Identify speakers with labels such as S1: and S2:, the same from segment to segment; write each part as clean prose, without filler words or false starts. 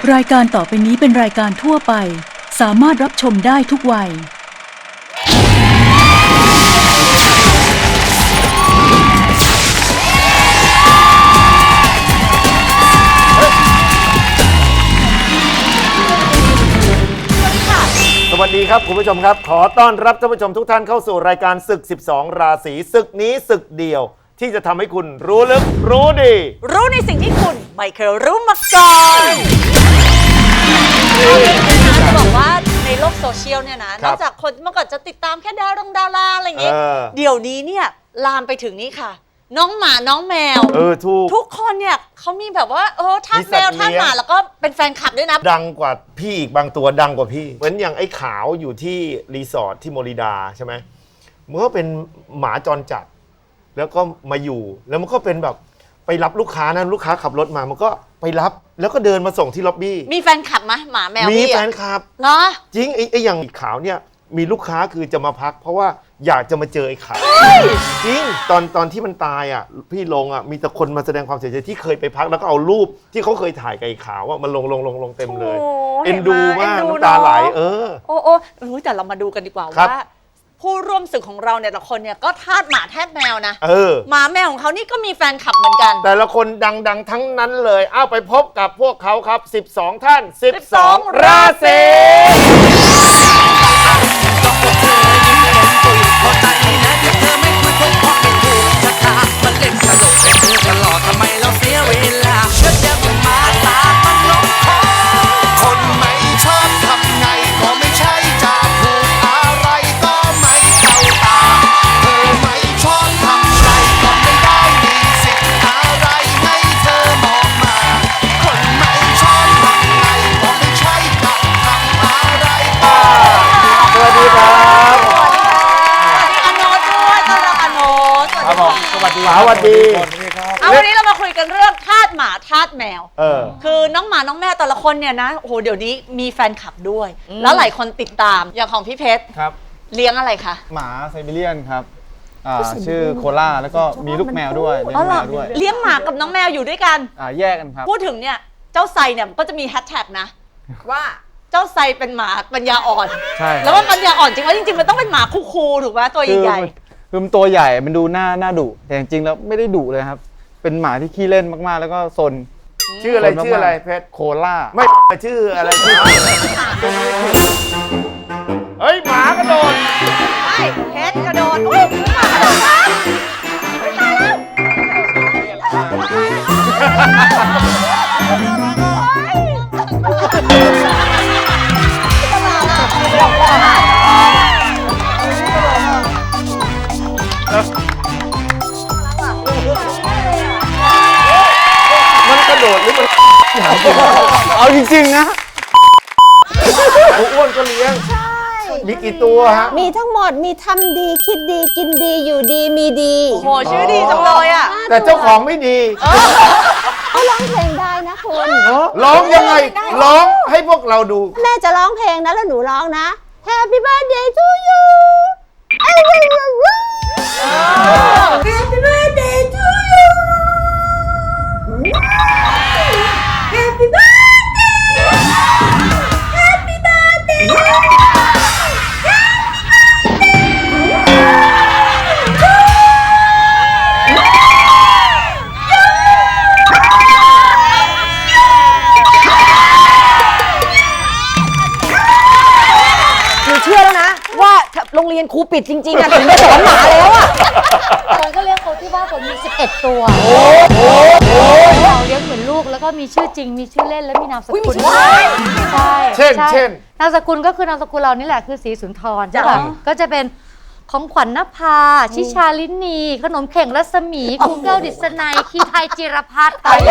S1: รายการต่อไปนี้เป็นรายการทั่วไปสามารถรับชมได้ทุกวัย
S2: สวัสดีครับคุณผู้ชมครับขอต้อนรับท่านผู้ชมทุกท่านเข้าสู่รายการศึก 12 ราศีศึกนี้ศึกเดียวที่จะทำให้คุณรู้ลึกรู้ดี
S3: รู้ในสิ่งที่คุณไม่เคยรู้มาก่อนจะบอกว่าในโลกโซเชียลเนี่ยนะนอกจากคนเมื่อก่อนจะติดตามแค่ดาราอะไรอย่างงี้เดี๋ยวนี้เนี่ยลามไปถึงนี่ค่ะน้องหมาน้องแมวทุกคนเนี่ยเขามีแบบว่าทาสแมวทาสหมาแล้วก็เป็นแฟนคลับด้วยนะ
S2: ดังกว่าพี่อีกบางตัวดังกว่าพี่เหมือนอย่างไอ้ขาวอยู่ที่รีสอร์ทที่โมริดาใช่ไหมมันก็เป็นหมาจรจัดแล้วก็มาอยู่แล้วมันก็เป็นแบบไปรับลูกค้านะลูกค้าขับรถมามันก็ไปรับแล้วก็เดินมาส่งที่ล็อบบี้
S3: มีแฟนคลับไหมหมาแมว
S2: มีแฟนคลับ
S3: เหรอ
S2: จริงไอ้อย่างขาวเนี่ยมีลูกค้าคือจะมาพักเพราะว่าอยากจะมาเจอไอ้ขาวจริงตอนที่มันตายอ่ะพี่ลงอ่ะมีแต่คนมาแสดงความเสียใจที่เคยไปพักแล้วก็เอารูปที่เขาเคยถ่ายกับไอ้ขาวอ่ะมันลงเต็มเลยเอ็นดูมากน้ำตาไหล
S3: โอ้แต่เรามาดูกันดีกว่าว่าผู้ร่วมศึกของเราเนี่ยแต่ละคนเนี่ยก็ทาสหมาแทบแมวนะหมาแมวของเขานี่ก็มีแฟนคลับเหมือนกัน
S2: แต่ละคนดังทั้งนั้นเลยไปพบกับพวกเขาครับ12ท่าน12ราศีสวัสดี
S3: วันนี้เรามาคุยกันเรื่องทาสหมาทาสแมวคือน้องหมาน้องแมวแต่ละคนเนี่ยนะโอ้โหเดี๋ยวนี้มีแฟนคลับด้วยแล้วหลายคนติดตามอย่างของพี่เพชร
S4: ครับ
S3: เลี้ยงอะไรคะ
S4: หมาไซบีเรียนครับชื่อโคล่าแล้วก็มีลูกแมวด้วยเลี้ยงแมวด้วย
S3: เลี้ยงหมากับน้องแมวอยู่ด้วยกัน
S4: แยกกันครับ
S3: พูดถึงเนี่ยเจ้าไซเนี่ยก็จะมีแฮชแท็กนะว่าเจ้าไซเป็นหมาปัญญาอ่อน
S4: ใช่
S3: แล้วว่าปัญญาอ่อนจริงๆแล้วจริงๆมันต้องเป็นหมาคูลๆถูกไหมตัวใหญ่
S4: คือมันตัวใหญ่มันดูหน้าดุแต่จริงๆแล้วไม่ได้ดุเลยครับเป็นหมาที่ขี้เล่นมากๆแล้วก็ซน
S2: ชื่ออะไรเพชร
S4: โคล่า
S2: ไม่ชื่ออะไรชื่อเฮ้ยหมากระโดด
S3: ไม่เพชรกระโดดอุ้ยหมากระโดดครับ
S2: มันกระโดดหรือมัน
S4: เอาจริงๆนะ
S2: อ้วนก็เลี้ยงมีกี่ตัวฮะ
S5: มีทั้งหมดมีทำดีคิดดีกินดีอยู่ดีมีดี
S3: โหชื่อดีจังเลยอ่ะ
S2: แต่เจ้าของไม่ดี
S5: เขาร้องเพลงได้นะคุณ
S2: ร้องยังไงร้องให้พวกเราดู
S5: แม่จะร้องเพลงนะแล้วหนูร้องนะ Happy birthday to you Happy birthday to you Happy birthday Happy birthdayโรงเรียนครูปิดจริงๆอ่ะถึงไม่สอนหมาแล้วอ่ะ
S6: คนก็เลี้ยงเขาที่บ้านผมมี11ตัวเราเลี้ยงเหมือนลูกแล้วก็มีชื่อจริงมีชื่อเล่นและมีนามสกุลใช่
S2: เช่น
S6: นามสกุลก็คือนามสกุลเรานี่แหละคือศรีสุนทรใช่ป่ะก็จะเป็นของขวัญนภาชิชาลินีขนมเข่งรัศมีครูแก้วดิษนัยคีไทยจิรพัฒน์อะไร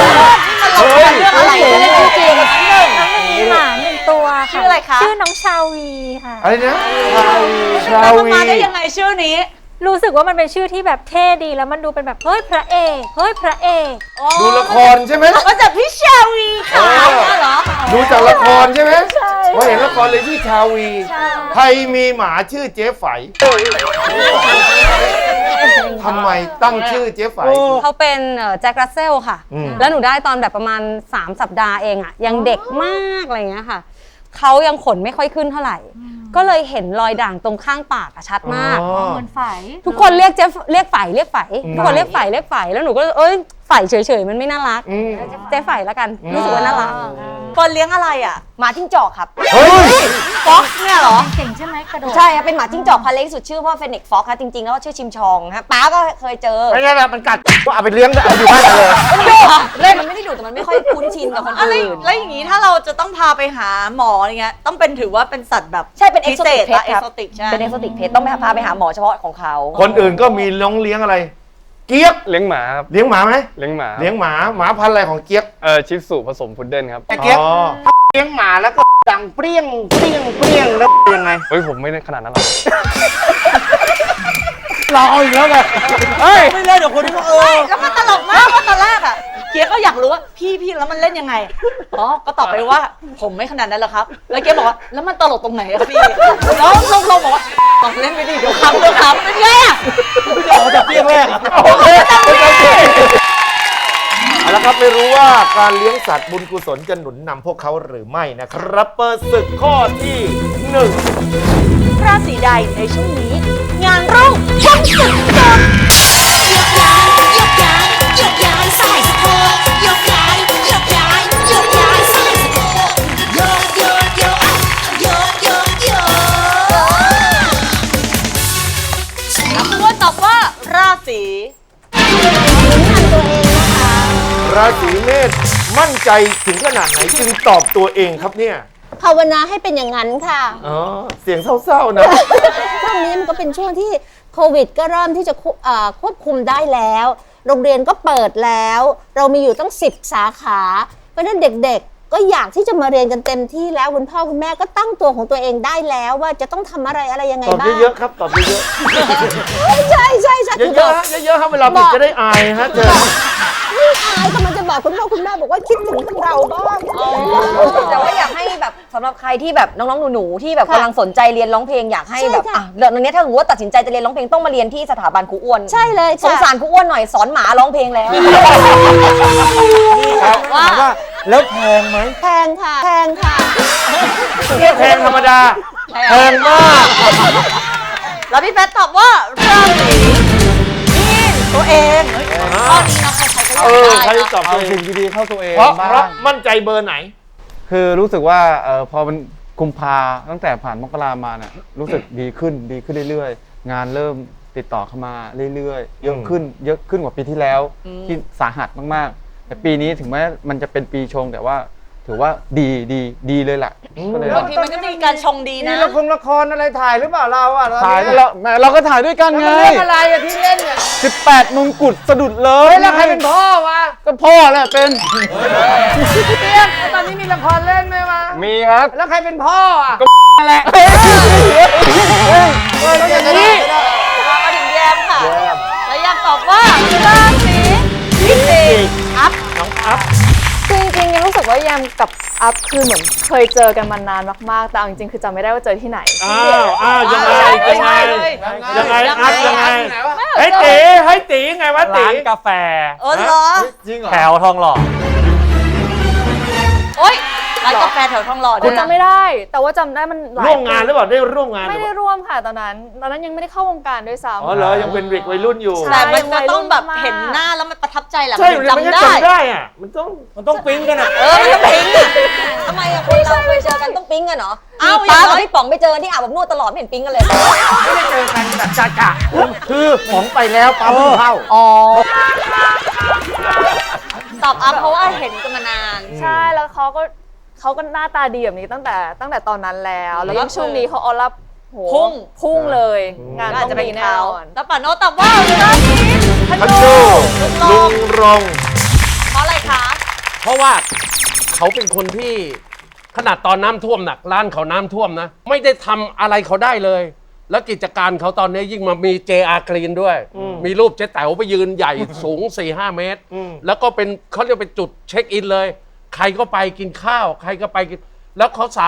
S6: ชื่อจริงมีหมา1ตัว
S3: ชื่ออะไรคะ
S6: ชื่อน้องชาวีค่ะ
S2: อะไรนะ
S3: ชาวีมาได้ยังไงชื่อนี้
S6: รู้สึกว่ามันเป็นชื่อที่แบบเท่ดีแล้วมันดูเป็นแบบเฮ้ยพระเอก
S2: ดูละครใช่ไหม
S3: ก็จากพี่ชาวีค่ะเหรอ
S2: ดูจากละครใช่ไหมใช่อเห็นละครเลยที่ชาวีใครมีหมาชื่อเจ๊ไฝทำไมตั้งชื่อเจ๊ไฝ
S7: เขาเป็นแจ็ครัสเซลค่ะ แล้วหนูได้ตอนแบบประมาณ3 สัปดาห์เองอะยังเด็กมากอะไรเงี้ยค่ะเขายังขนไม่ค่อยขึ้นเท่าไหร่ก็เลยเห็นรอยด่างตรงข้างปากชัดมาก
S6: เหมือนไฝ
S7: ทุกคนเรียกไฝทุกคนเรียกไฝแล้วหนูก็ไฝเฉยๆมันไม่น่ารักเจ๊ไฝแล้วกันรู้สึกว่าน่ารัก
S3: คนเลี้ยงอะไรอ่ะ
S5: หมาจิ้งจอกครับ
S3: ฟ็อกเนี่ยเหรอ
S6: เก่งใช่ไหมกระโดด
S5: ใช่ครับเป็นหมาจิ้งจอกพันธุ์เล็กสุดชื่อว่าเฟนิกฟ็อกครับจริงๆแล้วชื่อชิมชองครับป้าก็เคยเจอ
S2: ไม่ใช่แบบมันกัดก็เอาไปเลี้ยงเอาอยู่บ้านเลย
S5: เล่นมันไม่ได้ดุแต่มันไม่ค่อยคุ้นชินกับคน
S3: อะไร
S5: อื่น
S3: แล้วอย่างนี้ถ้าเราจะต้องพาไปหาหมออย่างเงี้ยต้องเป็นถือว่าเป็นสัตว์แบบ
S5: ใช่เป็น
S3: พิเศษ
S5: exotic pet
S3: เอ็ก
S5: ครับ
S3: โซติกใช่
S5: เป็นเอ็กโซติกเพจต้องพาไปหาหมอเฉพาะของเขา
S2: คนอื่นก็มีน้องเลี้ยงอะไร เกี๊ยก
S8: เลี้ยงหมาครับ
S2: เลี้ยงหมาไหม
S8: เลี้ยงหมา
S2: เลี้ยงหมาหมาพันธุ์อะไรของเกี๊ยก
S8: ชิสุผสมพุดเดิ้ลครับ
S2: เกี๊ยกเลี้ยงหมาแล้วก็ดังเปรี้ยงแล้วยังไง
S8: เฮ้ยผมไม่ได้ขนาดนั้นหรอก
S2: เราเอาอีกแล้วไงเฮ้ยไม่เล่นเดี๋ยวคนนี้ก็
S3: แล้วมันตลกมากว่าตอนแรกอ่ะเกียร์ก็อยากรู้ว่าพี่แล้วมันเล่นยังไงอ๋อก็ตอบไปว่าผมไม่ขนาดนั้นหรอกครับแล้วเกียร์บอกว่าแล้วมันตลกตรงไหนอะพี่แล้วลงบอกว่าลองเล่นไปดิเดี๋ยวครับเป็นไงอะ
S2: ออกจากเปรี้ยงแรกโอเคเอาละครับไม่รู้ว่าการเลี้ยงสัตว์บุญกุศลจะหนุนนำพวกเขาหรือไม่นะครับเปิดศึกข้อที่1
S3: ราศีใดในช่วงนี้ งานรุ่งช่างสุดยอด คุณตอบว่าราศี
S2: ราศีเมษมั่นใจถึงขนาดไหนจึงตอบตัวเองครับเนี่ย
S9: ภาวนาให้เป็นอย่างนั้นค่ะ
S2: อ๋อเสียงเศร้าๆนะ
S9: ช่วงนี้มันก็เป็นช่วงที่โควิดก็เริ่มที่จะควบคุมได้แล้ว โรงเรียนก็เปิดแล้ว เรามีอยู่ตั้ง10 สาขา เพราะฉะนั้นเด็กๆ ก็อยากที่จะมาเรียนกันเต็มที่แล้วคุณพ่อคุณแม่ก็ตั้งตัวของตัวเองได้แล้วว่าจะต้องทำอะไรยังไง
S2: ตอบ
S9: บ้าง
S2: เยอะๆครับตอบเยอะ
S9: ใช่
S2: ๆเยอะๆฮะเยอะๆครับเวลาผิดจะได้อายฮะเจอ
S9: ไม่อายกำลังจะบอกคุณพ่อคุณแม่บอกว่าคิดถึงพวกเราบ้าง
S5: แต่ว่าอยากให้แบบสำหรับใครที่แบบน้องๆหนูๆที่แบบกำลังสนใจเรียนร้องเพลงอยากให้แบบ
S9: ใช่ค่ะ
S5: เดี๋ยวนี้ถ้าสมมติว่าตัดสินใจจะเรียนร้องเพลงต้องมาเรียนที่สถาบันครูอ้วน
S9: ใช่เลย
S5: สงสารครูอ้วนหน่อยสอนหมาร้องเพลงแล้ว
S2: ว่าแล้วแพงไหม
S9: แพงค่ะแพงค่ะ
S2: แพงธรรมดาแพงมาก
S3: แล้วพี่แพทตอบว่าราศีมีนตัวเองข้อนี้นะใครๆก็อยากได้
S2: ใครตอบ
S4: เอา
S2: ตัวเอ
S4: สิ่
S2: ง
S4: งดีๆเข้าตัวเอง
S2: เพราะ
S4: บ้าง
S2: มั่นใจเบอร์ไหน
S4: คือรู้สึกว่าพอมันกุมภาตั้งแต่ผ่านมกรามาเนี่ยรู้สึกดีขึ้นเรื่อยๆ งานเริ่มติดต่อเข้ามาเรื่อยๆ เยอะขึ้นกว่าปีที่แล้วที่สาหัสมากๆ แต่ปีนี้ถึงแม้มันจะเป็นปีชงแต่ว่าถือว่าดีเลยแหละก็เลย
S3: บางทีมันก็มีการชงดีนะ
S2: ละครอะไรถ่ายหรือเปล่าเราอ่ะ
S4: ถ่ายเราก็ถ่ายด้วยกันไง
S2: เรื่องอะไรอะที่เล่นเนี่ย
S4: 18 มงกุฎสะดุดเลย
S2: แล้วใครเป็นพ่อวะ
S4: ก็พ่อแหละเป็น
S2: เตี้ยตอนนี้มีละครเล่นไหมวะ
S8: มีครับ
S2: แล้วใครเป็นพ่ออ่ะ
S4: แหละ
S2: แล้วอย่างนี้
S3: มาถึงแยมค่ะ แล้วแยมตอบว่าราศีพิจิกอัพ
S2: น้องอัพ
S10: คือจริงๆยังรู้สึกว่าแยมกับอัพคือเหมือนเคยเจอกันมานานมากๆแต่เอาจริงๆคือจำไม่ได้ว่าเจอที่ไหน
S2: อ้าวยังไงอัพยังไงให้ตีไงวะตี
S8: ร้านกาแฟ
S3: เหรอ
S2: จริงเหรอ
S8: แถวทองหล่อ
S3: โอ๊ยร้านกาแฟแถวทองหล่อ
S10: กูจำไม่ได้ แต่ว่าจำได้มันหลาย
S2: ร่วมงานหรือเปล่าได้ร่วมงาน
S10: ไม่ได้ร่วมค่ะตอนนั้นยังไม่ได้เข้าวงการด้วยซ้ำ
S2: อ๋อเหรอยังเป็นเด็กวัยรุ่นอยู่
S3: แต่มันจะต้องแบบเห็นหน้าแล้วมันประทับใจแหละ
S2: ใช่
S3: มัน
S2: มัน
S3: จำได้
S2: จำได้อ่ะมันต้องปิ๊งกันอ่ะ
S3: มันต้องพิงอ่ะ
S5: ทำไมอะคนเราเคยเจอกันต้องปิ๊งกันเหรอ
S3: อ้าว
S5: ป้า
S3: อย่างน้
S5: กับ
S3: อย
S5: พี่ป๋องไปเจอกันที่อาบอบนวดตลอดไม่เห็นปิ๊งกันเลย
S2: ไม่ได้เจอกันแบบจ่าคือของไปแล้วปั๊มเข้า
S5: อ๋อ
S3: ตอบอัพเพราะว่าเห็นกันมานาน
S10: ใช่แล้วเขาก็หน้าตาดีแบบนี้ตั้งแต่ตอนนั้นแล้วแล้วยิ่งช่วงนี้เขาออร่าโห พุ่งเลย งาน
S3: อาจ
S10: ต้
S3: จะ
S10: อง
S3: เป็น
S10: มีแน่
S3: เขา
S10: นอน
S3: แล้วป่าโนตตอบว่าราศีธ
S2: พัน
S3: นู
S2: โดลุงรง
S3: เพราะอะไรคะ
S11: เพราะว่าเขาเป็นคนที่ขนาดตอนน้ำท่วมหนักร้านเขาน้ำท่วมนะ ไม่ได้ทำอะไรเขาได้เลย แล้วกิจการเขาตอนนี้ยิ่งมามี JR Green ด้วย มีรูปเจ๊แต๋วไปยืนใหญ่ สูง 4-5 เมตร แล้วก็เป็นเขาเรียกเป็นจุดเช็คอินเลย ใครก็ไปกินข้าว ใครก็ไปกิน แล้วเขาสามารถ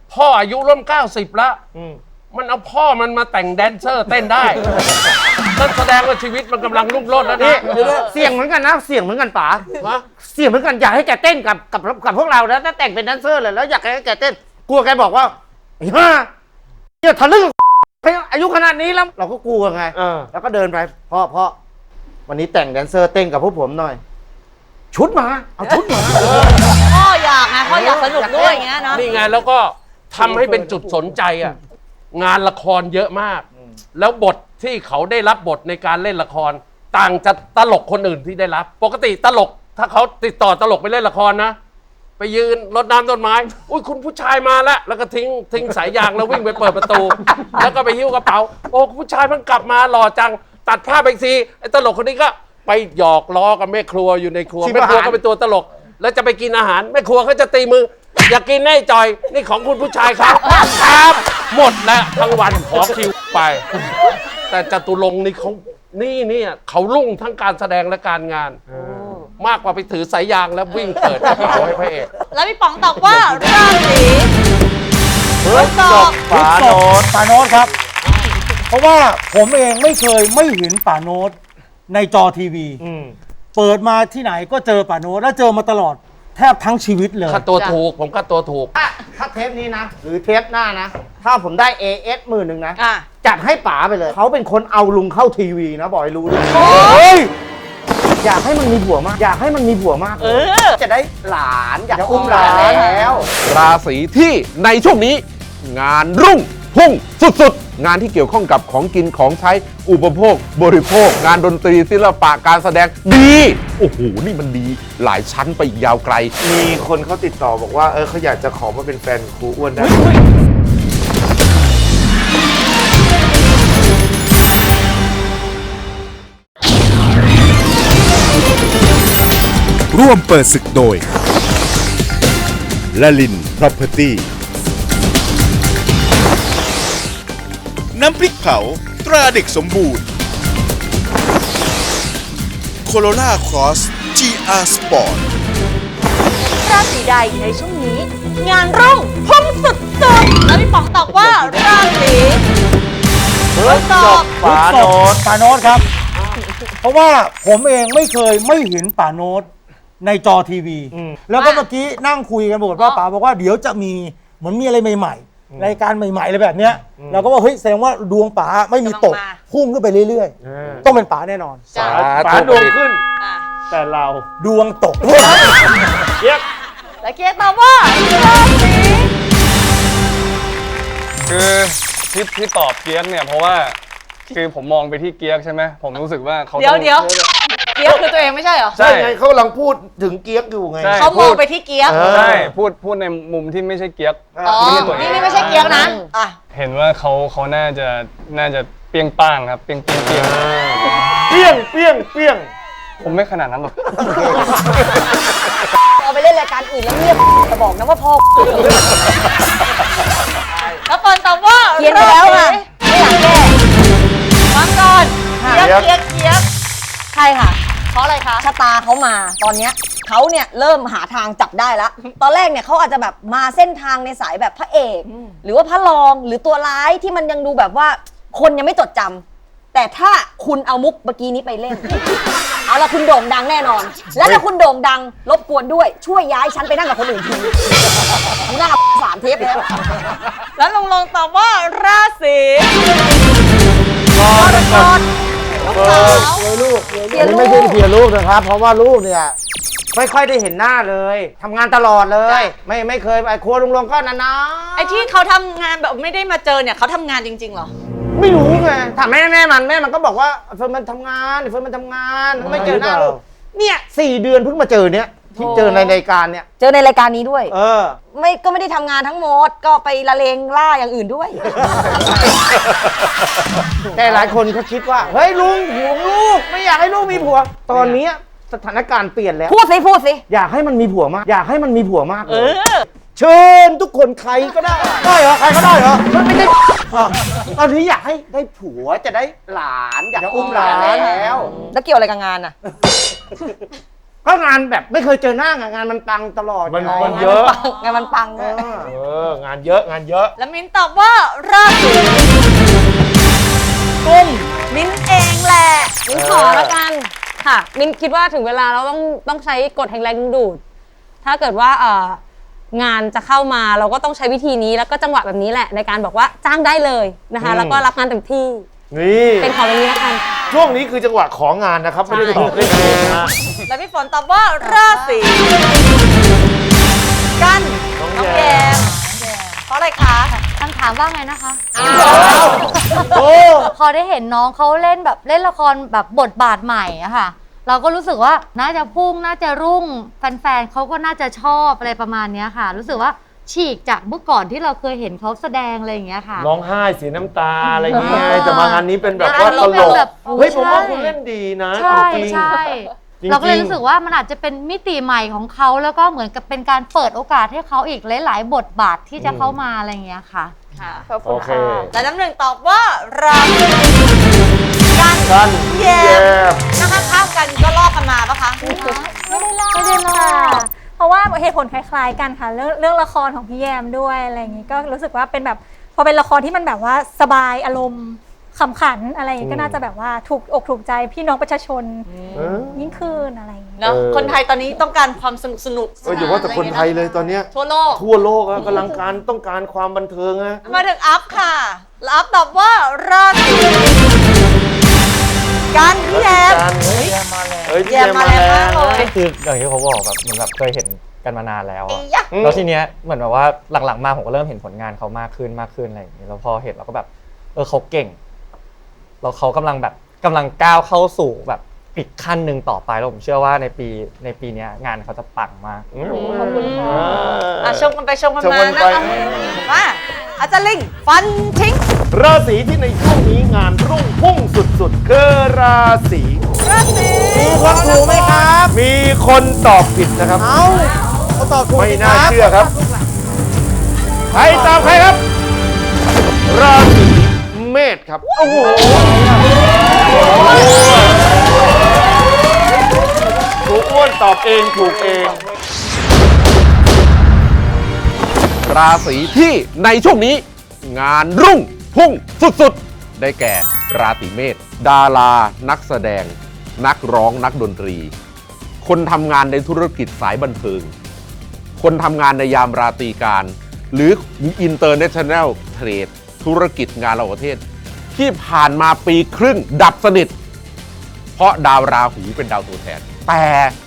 S11: พ่ออายุร่วม90แล้วมันเอาพ่อมันมาแต่งแดนเซอร์เต้นได้นั่นแสดงว่าชีวิตมันกำลังรุ่งโรจน์แล้วนะ
S12: เสี่ยงเหมือนกันนะเสี่ยงเหมือนกันป๋าเสี่ยงเหมือนกันอยากให้แกเต้นกับพวกเรานะถ้าแต่งเป็นแดนเซอร์เลยแล้วอยากให้แกเต้นกลัวแกบอกว่าไอ้ห่าเนี่ยทะลึ่งอายุขนาดนี้แล้วเราก็กลัวไงแล้วก็เดินไปพ่อวันนี้แต่งแดนเซอร์เต้นกับพวกผมหน่อยชุดมาเอาชุดมา
S3: พ่ออยากไงพ่ออยากสนุกด้วยอย่างเงี้ยนะ
S11: นี่ไงแล้วก็ทำให้เป็นจุดสนใจอ่ะงานละครเยอะมากแล้วบทที่เขาได้รับบทในการเล่นละครต่างจากตลกคนอื่นที่ได้รับปกติตลกถ้าเขาติดต่อตลกไปเล่นละครนะไปยืนรดน้ำต้นไม้อุ้ยคุณผู้ชายมาแล้วก็ทิ้งสายยางแล้ววิ่งไปเปิดประตูแล้วก็ไปหิ้วกระเป๋าโอ้ผู้ชายเพิ่งกลับมาหล่อจังตัดภาพไปทีไอ้ตลกคนนี้ก็ไปหยอกล้อกับแม่ครัวอยู่ในครัวแม่ครัวก็เป็นตัวตลกแล้วจะไปกินอาหารแม่ครัวเขาจะตีมืออยากกินแน่จอยนี่ของคุณผู้ชายครับครับหมดแล้วทั้งวันขอคิวไปแต่จตุรงค์นี่เขารุ่งทั้งการแสดงและการงานมากกว่าไปถือสายยางแล้ววิ่งเปิดกระเป๋าให้พระเอก
S3: แล้วพี่ป๋องตอบว่าราศีพฤษภ
S13: ป๋าโน้ตครับเพราะว่าผมเองไม่เคยไม่เห็นป๋าโน้ตในจอทีวีเปิดมาที่ไหนก็เจอป๋าโน้ตแล้วเจอมาตลอดแทบทั้งชีวิตเลย
S11: ค่าตัวถูกผมค่าตัวถูก
S12: ถ้าเทปนี้นะหรือเทปหน้านะถ้าผมได้ AS 10,000นะจัดให้ป๋าไปเลยเขาเป็นคนเอาลุงเข้าทีวีนะบอกให้รู้ด้วยอยากให้มันมีผัวมากอยากให้มันมีผัวมากจะได้หลานอยากอุ้มหลานแล้ว
S14: ราศีที่ในช่วงนี้งานรุ่งพุ่งสุดๆงานที่เกี่ยวข้องกับของกินของใช้อุปโภคบริโภคงานดนตรีศิลปะการแสดงดีโอ้โหนี่มันดีหลายชั้นไปยาวไกล
S2: มีคนเขาติดต่อบอกว่าเขาอยากจะขอมาเป็นแฟนครูอ้วนได้
S15: ร่วมเปิดศึกโดยลลิน Property น้ำพริกเผาตราเด็กสมบูรณ์โคโรล่าครอส GR Sport
S3: ราศีใดในช่วงนี้งานรุ่งพุ่งสุดๆแล้วพี่ป๋องตอบว่าราศีพฤษภ
S13: ป๋าโน้ตครับเพราะว่าผมเองไม่เคยไม่เห็นป๋าโน้ตในจอทีวีแล้วก็เมื่อกี้นั่งคุยกันบอกว่าป๋าบอกว่าเดี๋ยวจะมีเหมือนมีอะไรใหม่ๆรายการใหม่ๆอะไรแบบเนี้ยเราก็ว่าเฮ้ยแสดงว่าดวงป๋าไม่มีตกพุ่งขึ้นไปเรื่อยๆต้องเป็นป๋าแน่นอน
S2: ป๋าดวงขึ้นแต่เรา
S13: ดวงตก
S3: เกียร์และเกียร์ตอบว่าราศี
S8: คือที่ตอบเกียร์เนี่ยเพราะว่าคือผมมองไปที่เกียร์ใช่ไหมผมรู้สึกว่าเขา
S3: เดี๋ยวเกียร์คือตัวเองไม่ใช่เหรอ
S2: ใช่ไงเขากำลังพูดถึงเกียร์อยู่ไง
S3: เขามองไปที่เกียร์
S8: ใช่พูดในมุมที่ไม่ใช่เกียร์
S3: นี่ไม่ใช่เกียร์นะ
S8: เห็นว่าเขาน่าจะเปี้ยงป้างครับเปี้ยงผมไม่ขนาดนั้นหรอก
S5: เอาไปเล่นรายการอื่นแล้วเงียบจะบอกนะว่าพ่อ
S3: แล้วปอนตอบว่า
S5: เขียนไปแล้วค่ะไม่อยากแก้
S3: ฟังก่อนเกียร์
S5: ใช่ค่ะ
S3: เพราะอะไรคะ
S5: ชะตาเขามาตอนเนี้ยเขาเนี่ยเริ่มหาทางจับได้แล้วตอนแรกเนี่ยเขาอาจจะแบบมาเส้นทางในสายแบบพระเอกหรือว่าพระรองหรือตัวร้ายที่มันยังดูแบบว่าคนยังไม่จดจำแต่ถ้าคุณเอามุกเมื่อกี้นี้ไปเล่นเอาละคุณโด่งดังแน่นอนแล้วถ้าคุณโด่งดังรบกวนด้วยช่วยย้ายฉันไปนั่งกับคนอื่นทีหน้า3 เทป
S3: แล้วลงตอบว่าราศีกรกฎ
S12: ลูกไม่ใช่เพียลูกนะครับเพราะว่าลูกเนี่ยไม่ค่อยได้เห็นหน้าเลยทำงานตลอดเลยไม่เคยไปครัวลุงลงก็นาน
S3: ๆไอ้ที่เขาทำงานแบบไม่ได้มาเจอเนี่ยเขาทำงานจริงๆเหรอ
S12: ไม่รู้ไงถามแม่มันก็บอกว่าเฟิร์นมันทำงานไม่เจอหน้าลูกเนี่ย4 เดือนเพิ่งมาเจอเนี่ยที่เจอในรายการเนี่ย
S5: เจอในรายการนี้ด้วยก็ไม่ได้ทำงานทั้งหมดก็ไปละเลงล่าอย่างอื่นด้วย
S12: แต่หลายคนเขาคิดว่าเฮ้ยลุงห่วงลูกไม่อยากให้ลูกมีผัวตอนนี้สถานการณ์เปลี่ยนแล้ว
S5: พูดสิ
S12: อยากให้มันมีผัวมากเชิญทุกคนใครก็ได้เหรอใครก็ได้เหรอไม่ได้ตอนนี้อยากให้ได้ผัวจะได้หลานอยากอุ้มหลานแล้ว
S5: เกี่ยวอะไรกับงานอ่ะ
S12: ก็งานแบบไม่เคยเจอหน้างานมันปังตลอด
S2: มันเยอะ
S5: งานมันปัง
S2: งานเยอะงานเยอะ
S3: แล้วมิ้นตอบว่าราศีกุมมิ้นเองแหละ
S7: มิ้นขอแล้วกันค่ะ มิ้นคิดว่าถึงเวลาเราต้องใช้กฎแห่งแรงดึงดูด ถ้าเกิดว่างานจะเข้ามาเราก็ต้องใช้วิธีนี้แล้วก็จังหวะแบบนี้แหละในการบอกว่าจ้างได้เลยนะคะแล้วก็รับงานเต็มที่
S2: นี่
S7: เป็นของแบบนี้แล้วกัน
S2: ช่วงนี้คือจังหวะของงานนะครับ ไม่ได้ตอบเล่นเองนะ
S3: แล้วพี่ฝนตอบว่าราศีกันน้องแยมเพราะอะไรคะ
S6: คำถามว่าไงนะคะพอได้เห็นน้องเขาเล่นแบบเล่นละครแบบบทบาทใหม่อะค่ะ เราก็รู้สึกว่าน่าจะพุ่งน่าจะรุ่งแฟนๆเขาก็น่าจะชอบอะไรประมาณนี้ค่ะ รู้สึกว่าฉีกจากเมื่อก่อนที่เราเคยเห็นเขาแสดงอะไรอย่างเงี้ยค่ะ
S2: ร้องไห้เสียน้ำตาอะไรอย่างเงี้ยแต่มางานนี้เป็นแบบว่าตลกเฮ้ยผมว่าคุณเล่นดีนะ
S6: ใช่
S2: จริง
S6: ใช่เราก็เลยรู้สึกว่ามันอาจจะเป็นมิติใหม่ของเขาแล้วก็เหมือนกับเป็นการเปิดโอกาสให้เขาอีกหลายๆบทบาทที่จะเข้ามาอะไรอย่างเงี้ยค่ะ
S3: ค่ะ
S2: โอเค
S3: และน้ำหนึ่งตอบว่าราศีกัน แยมนะคะข้ามกันก็ลอกกันมาปะคะ
S16: ไม่ได้ลอกเพราะว่าเหตุผลคล้ายๆกันค่ะเรื่องละครของพี่แยมด้วยอะไรอย่างนี้ก็รู้สึกว่าเป็นแบบพอเป็นละครที่มันแบบว่าสบายอารมณ์ขำขันอะไรอย่างนี้ก็น่าจะแบบว่าถูกอกถูกใจพี่น้องประชาชนยิ่งขึ้นอะไรอย่างนี้
S3: เนาะคนไทยตอนนี้ต้องการความสนุก
S2: อย่าว่าแต่คนไทยเลยตอนเนี้ย
S3: ทั่วโลก
S2: ทั่วโลกอะกำลังต้องการความบันเทิงอะ
S3: มาถึงอัพค่ะแล้วอัพตอบว่าราศีกันพี่แยม
S2: แยมมาแล้ว
S17: ก็คืออย่างที่เขาบอกแบบเหมือนแบบเคยเห็นกันมานานแล้วอะแล้วทีเนี้ยเหมือนแบบว่าหลังๆมาผมก็เริ่มเห็นผลงานเขามากขึ้นอะไรอย่างนี้แล้วพอเห็นเราก็แบบเขาเก่งแล้วเขากำลังก้าวเข้าสู่แบบอีกขั้นหนึ่งต่อไปแล้วผมเชื่อว่าในปีนี้งานเขาจะปังมาก
S3: ขอบคุณค่ะชมกันไปชมกันมานะมาอาจารย์ลิงฟันทิ้ง
S2: ราศีที่ในช่วงนี้งานรุ่งพุ่งสุดๆคือราศีมีคนถูกไหมครับ มีคนตอบผิดนะครับเขาตอบถูกไม่น่าเชื่อครับใครตอบใครครับ ราศีเมษครับโอ้โหถูกอ้วนตอบเองถูกเอง
S14: ราศีที่ในช่วงนี้งานรุ่งพุ่งสุดๆได้แก่ราศีเมษดารานักแสดงนักร้องนักดนตรีคนทำงานในธุรกิจสายบันเทิงคนทำงานในยามราตรีการหรือ International Trade ธุรกิจงานระหว่างประเทศที่ผ่านมาปีครึ่งดับสนิทเพราะดาวราหูเป็นดาวตัวแทนแต่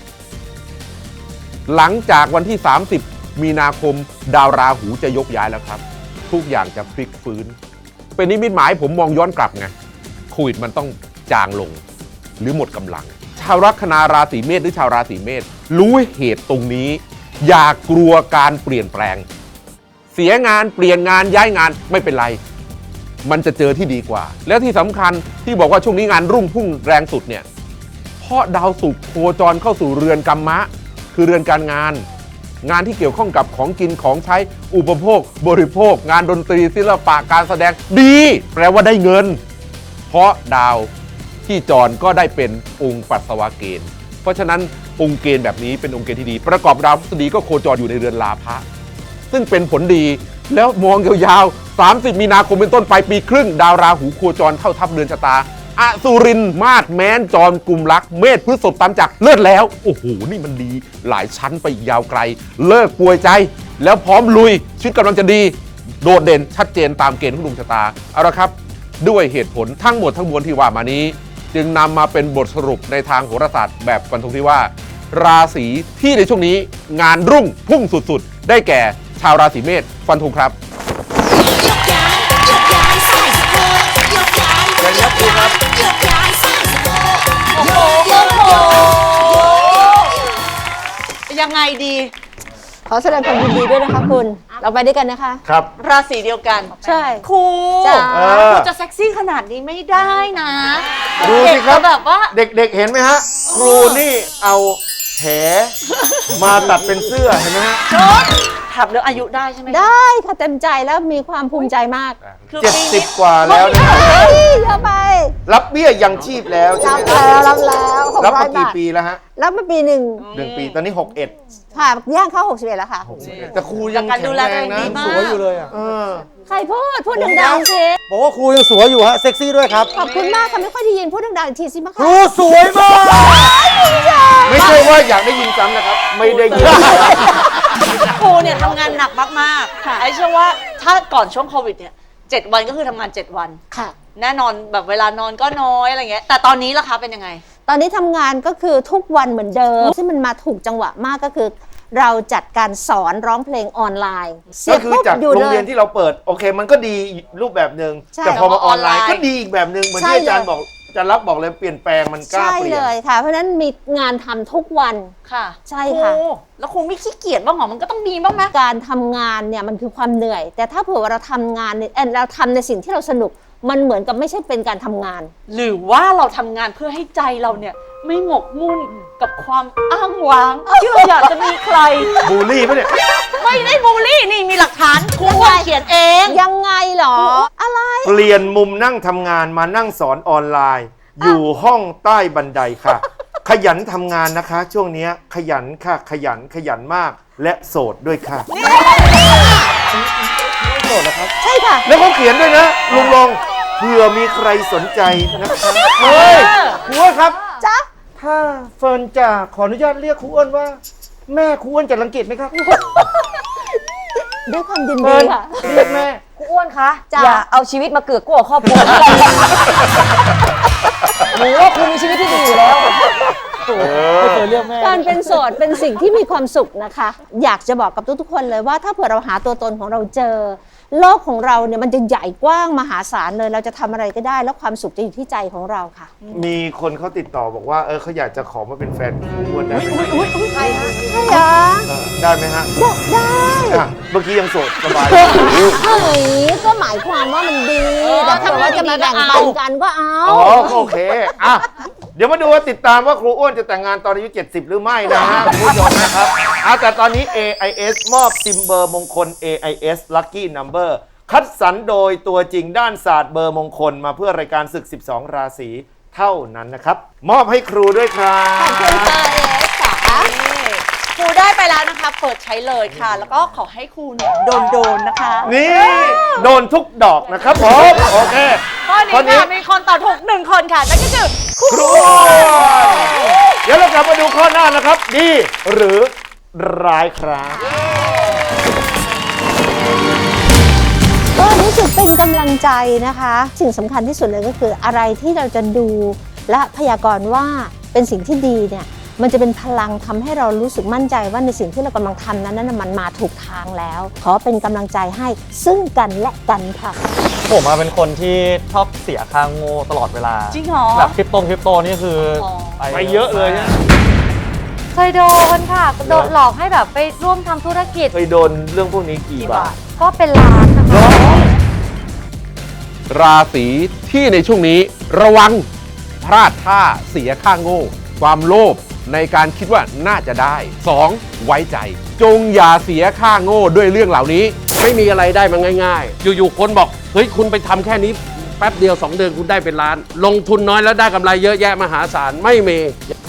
S14: หลังจากวันที่30 มีนาคมดาวราหูจะยกย้ายแล้วครับทุกอย่างจะพลิกฟื้นเป็นนิมิตหมายผมมองย้อนกลับไงโควิดมันต้องจางลงหรือหมดกำลังชาวลัคนาราศีเมษหรือชาวราศีเมษรู้เหตุตรงนี้อย่ากลัวการเปลี่ยนแปลงเสียงานเปลี่ยนงานย้ายงานไม่เป็นไรมันจะเจอที่ดีกว่าแล้วที่สำคัญที่บอกว่าช่วงนี้งานรุ่งพุ่งแรงสุดเนี่ยเพราะดาวศุกร์โคจรเข้าสู่เรือนกัมมะคือเรือนการงานงานที่เกี่ยวข้องกับของกินของใช้อุปโภคบริโภคงานดนตรีศิลปะการแสดงดีแปลว่าได้เงินเพราะดาวที่จรก็ได้เป็นองค์ปัสสาวะเกณฑ์เพราะฉะนั้นองค์เกณฑ์แบบนี้เป็นองค์เกณฑ์ที่ดีประกอบดาวพฤษฎีก็โคจรอยู่ในเรือนลาภะซึ่งเป็นผลดีแล้วมองยาวๆ30 มีนาคมเป็นต้นไปปีครึ่งดาวราหูโคจรเข้าทับเรือนชะตาอสุรินมาศแม้นจรกุมรักเมษพฤษภตามจักรเลิศแล้วโอ้โหนี่มันดีหลายชั้นไปยาวไกลเลิกป่วยใจแล้วพร้อมลุยชีวิตกำลังจะดีโดดเด่นชัดเจนตามเกณฑ์ของดวงชะตาเอาละครับด้วยเหตุผลทั้งหมดทั้งมวลที่ว่ามานี้จึงนำมาเป็นบทสรุปในทางโหราศาสตร์แบบฟันธงที่ว่าราศีที่ในช่วงนี้งานรุ่งพุ่งสุดๆได้แก่ชาวราศีเมษฟันธงครับ
S3: ยังไงดี
S9: ขอแสดงความยินดีด้วยนะคะคุณเราไปด้วยกันนะคะ
S2: ครับ
S3: ราศีเดียวกัน
S9: ใช่
S3: ครู
S9: จ้า
S3: ครูจะเซ็กซี่ขนาดนี้ไม่ได้นะ
S2: ดูสิครับ
S3: เด็กก็แบบว่า
S2: เด็กๆเห็นไหมฮะครูนี่เอาแหมาตัดเป็นเสื้อเห็นไหมฮะ
S3: ชุดถามเรื่องอายุได้ใช่ไหมคะ
S9: ได้ค่ะเต็มใจแล้วมีความภูมิใจมาก
S3: คือ
S2: 70 กว่าแล้วนะ
S9: เฮ้ยเยอะไป
S2: รับเบี้ยยังชีพแล้วใช่
S9: รับ
S2: ไหม
S9: แล้ว600
S2: รับมากี่
S9: บาท
S2: ปีแล้วฮะ
S9: รับมาปีหนึ่ง
S2: 1 ปีตอนนี้ 61
S9: ค่ะย่างเข้า61แล้วค่ะ
S2: แต่ครูยัง
S3: การ
S2: แข็
S3: ดู
S2: ง
S3: แล
S2: แร
S3: ตัว
S2: ง
S3: เอง
S2: นะ
S3: ดีมาก
S13: สวยอยู่เลยอ่ะ
S9: ใครพูดดังๆสิ
S13: บอกว่าครูยังสวยอยู่ฮะเซ็กซี่ด้วยครับ
S9: ขอบคุณมากค่ะไม่ค่อยได้ยินพูดดังๆอีกทีสิมะ
S13: ค
S9: คะ
S13: รูสวยมาก
S2: ไม่ใช่ว่าอยากได้ยินซ้ำนะครับ ไม่ได้ยิน
S3: ครูเนี่ยทำงานหนักมากๆไอ้เชื่อว่าถ้าก่อนช่วงโควิดเนี่ย7 วันก็คือทำงาน 7 วัน
S9: ค่ะ
S3: แน่นอนแบบเวลานอนก็น้อยอะไรเงี้ยแต่ตอนนี้ล่ะคะเป็นยังไง
S9: ตอนนี้ทำงานก็คือทุกวันเหมือนเดิมซึ่งมันมาถูกจังหวะมากก็คือ เราจัดการสอนร้องเพลงออนไลน์
S2: ก็คือจากโรงเรียนที่เราเปิดโอเคมันก็ดีรูปแบบหนึ่ง
S9: ใช่
S2: แต่พอมาออนไลน์ก็ดีอีกแบบหนึ่งเหมือนที่
S9: ใช่
S2: อาจารย์บอกอาจารย์รักบอกเลยเปลี่ยนแปลงมันกล้า
S9: ใช่
S2: เปลี่ย
S9: เล
S2: น
S9: ยค่ะ เพราะฉะนั้นมีงานทำทุกวัน
S3: ค่ะ
S9: ใช่ค่ะ
S3: ครูแล้วครูไม่ขี้เกียจบ้างเหรอมันก็ต้องมีบ้างไหม
S9: การทำงานเนี่ยมันคือความเหนื่อย แต่ถ้าเผื่อว่าเราทำงานเนี่ยเราทำในสิ่งที่เราสนุกมันเหมือนกับไม่ใช่เป็นการทำงาน
S3: หรือว่าเราทำงานเพื่อให้ใจเราเนี่ยไม่หมกมุ่นกับความอ้างว้างที่เราอยากจะมีใคร
S2: บูลลี่ปะเนี่ย
S3: ไม่ได้บูลลี่นี่มีหลักฐานครูเขียนเอง
S9: ยังไงเหรอ อะไร
S2: เปลี่ยนมุมนั่งทำงานมานั่งสอนออนไลน์ อยู่ห้องใต้บันไดค่ะ ขยันทำงานนะคะ ช่วงเนี้ยขยันค่ะขยันมากและโสดด้วยค่ะโสดเหรอครับ
S9: ใช่ค่ะ
S2: แล้วเขาเขียนด้วยนะลุงลงเผื่อมีใครสนใจนะคะเฮ้ย
S13: ครูอ้วนครับ
S9: จ๊ะ
S13: ถ้าเฟิร์นจะขออนุญาตเรียกครูอ้วนว่า แม่ครูอ้วนจะรังเกียจไหมครับ
S9: ด้วยความยิน
S13: เฟิ
S9: ดี
S13: ร์น
S9: ค่ะ
S13: เรียกแม่
S5: ครูอ้วนคะ
S9: จ้ะ
S5: อย่าเอาชีวิตมาเกือกกลัวครอบครัวหนูว่าครูมีชีวิตที่ดีอยู่แล้ว
S13: ไม่เคยเรียกแม่
S9: การเป็นโสดเป็นสิ่งที่มีความสุขนะคะ อยากจะบอกกับทุกๆคนเลยว่าถ้าเผื่อเราหาตัวตนของเราเจอ โลกของเราเนี่ยมันจะใหญ่กว้างมหาศาลเลยเราจะทำอะไรก็ได้ แล้วความสุขจะอยู่ที่ใจของเราค่ะ
S2: มีคนเขาติดต่อบอกว่าเขาอยากจะขอมาเป็นแฟนครูอ้วนได้ไหม
S9: ใช่เหรอ
S2: ได้ไหมฮะ
S9: ได้
S2: อ่ะเมื่อกี้ยังโสดสบาย
S9: เฮ้ยก็หมายความว่ามันดี แต่ถ้าว่าจะมาแบ่งปันกันก็เอา
S2: อ๋อโอเคอ่ะเดี๋ยวมาดูว่าติดตามว่าครูอ้วนจะแต่งงานตอนอายุ 70 หรือไม่นะฮะคุณผู้ชมนะครับแต่ตอนนี้ AIS มอบซิมเบอร์มงคล AIS Lucky Number คัดสรรโดยตัวจริงด้านศาสตร์เบอร์มงคลมาเพื่อรายการศึก 12 ราศีเท่านั้นนะครับ มอบให้ครูด้วยครับ
S3: ขอบคุณค่ะเอสค่ะครูได้ไปแล้วนะคะ เปิดใช้เลยค่ะ แล้วก็ขอให้ครูเนี่ยโดนนะคะ
S2: นี่โดนทุกดอกนะครับผมโอเค
S3: ข้อนี้ค่ะมีคนตอบถูก1 คนค่ะนั่นก็คือครู
S2: ครูอ้วนเดี๋ยวเรากลับมาดูข้อหน้านะครับ ดีหรือร้ายครับ
S9: ก็รู้สึกเป็นกำลังใจนะคะ สิ่งสำคัญที่สุดเลยก็คืออะไรที่เราจะดูและพยากรณ์ว่าเป็นสิ่งที่ดีเนี่ยมันจะเป็นพลังทำให้เรารู้สึกมั่นใจว่าในสิ่งที่เรากำลังทำนั้นมันมาถูกทางแล้ว ขอเป็นกำลังใจให้ซึ่งกันและกันค่ะ
S17: ผมเป็นคนที่ชอบเสียค่าโง่ตลอดเวลา
S3: จริงเหรอ
S17: แบบคริปโตนี่คือไปเยอะเลยนะ
S6: เคยโดนค่ะโดนหลอกให้แบบไปร่วมทำธุรกิจ
S2: เคยโดนเรื่องพวกนี้กี่บาท
S6: ก็เป็นล้านนะคะ
S14: ราศีที่ในช่วงนี้ระวังพลาดท่าเสียค่าโง่ ความโลภในการคิดว่าน่าจะได้ 2. ไว้ใจ จงอย่าเสียค่าโง่ด้วยเรื่องเหล่านี้
S11: ไม่มีอะไรได้มาง่ายๆ อยู่ๆคนบอกเฮ้ยคุณไปทำแค่นี้แป๊บเดียว2 เดือนคุณได้เป็นล้าน ลงทุนน้อยแล้วได้กำไรเยอะแยะมหาศาลไม่มี